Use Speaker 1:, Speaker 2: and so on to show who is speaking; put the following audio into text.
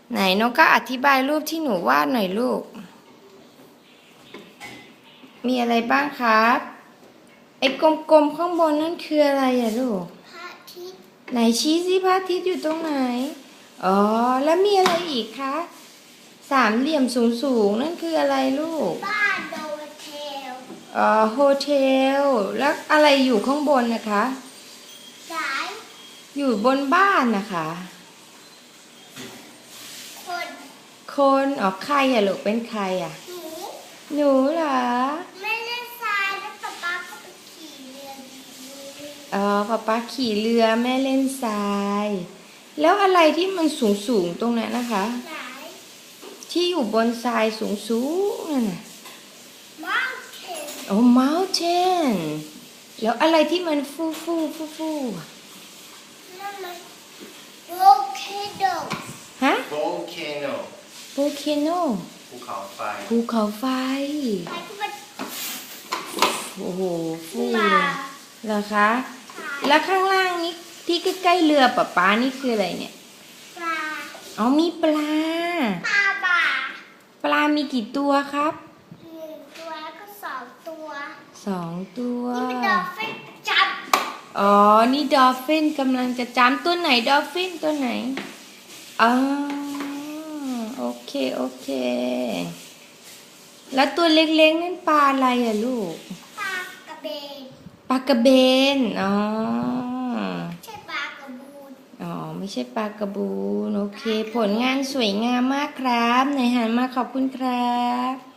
Speaker 1: ไหนน้องก็อธิบายรูปที่หนูวาดหน่อยลูกมีอะไรบ้างครับไอ้กลมๆข้างบนนั่นคืออะไรอะลูก
Speaker 2: พระอาทิตย์
Speaker 1: ไหนชี้สิพระอาทิตย์อยู่ตรงไหนอ๋อแล้วมีอะไรอีกคะสามเหลี่ยมสูงๆนั่นคืออะไรลูก
Speaker 2: บ้านโดเทล
Speaker 1: โฮเทลแล้วอะไรอยู่ข้างบนนะคะ
Speaker 2: สาย
Speaker 1: อยู่บนบ้านนะคะ
Speaker 2: คน
Speaker 1: ใครอะลูกเป็นใครอะ
Speaker 2: หนู
Speaker 1: หนูเหรอ
Speaker 2: ไม่เล่นทรายแล้วป๊าป๊าก็ไปขี่เรือดี
Speaker 1: ป๊าขี่เรือแม่เล่นทรายแล้วอะไรที่มันสูงตรงนั้นนะคะ
Speaker 2: สาย
Speaker 1: ที่อยู่บนทรายสูงนั่นน่ะ
Speaker 2: มังเคน
Speaker 1: mountain แล้วอะไรที่มันฟู
Speaker 2: นั่นมันโวลเคโน
Speaker 1: ฮะ
Speaker 3: volcano
Speaker 1: volcano
Speaker 3: ภูเขาไฟ
Speaker 1: ภูเขาไฟ
Speaker 2: ไปที่มัน
Speaker 1: โอ้โหฟู
Speaker 2: มา
Speaker 1: เลยเหรอคะแล้วข้างล่างนี้ที่ใกล้ๆเรือป๊านี่คืออะไรเนี่ย
Speaker 2: ปลา
Speaker 1: มีปลา
Speaker 2: บ่า
Speaker 1: ปลามีกี่ตัวครับ
Speaker 2: 1 ตัวแล้วก็2 ตัว
Speaker 1: ตัว
Speaker 2: นี่เป็นดอลฟินจับ
Speaker 1: นี่ดอลฟินกำลังจะจำตัวไหนดอลฟินตัวไหนอ๋อโอเคแล้วตัวเล็กๆนั่นปลาอะไรอะลูก
Speaker 2: ปลากระเบน
Speaker 1: ปลากระเบน
Speaker 2: ใช่ปลากระบูน
Speaker 1: ไม่ใช่ปลากระบูนโอเคผลงานสวยงามมากครับไหนหันมาขอบคุณครับ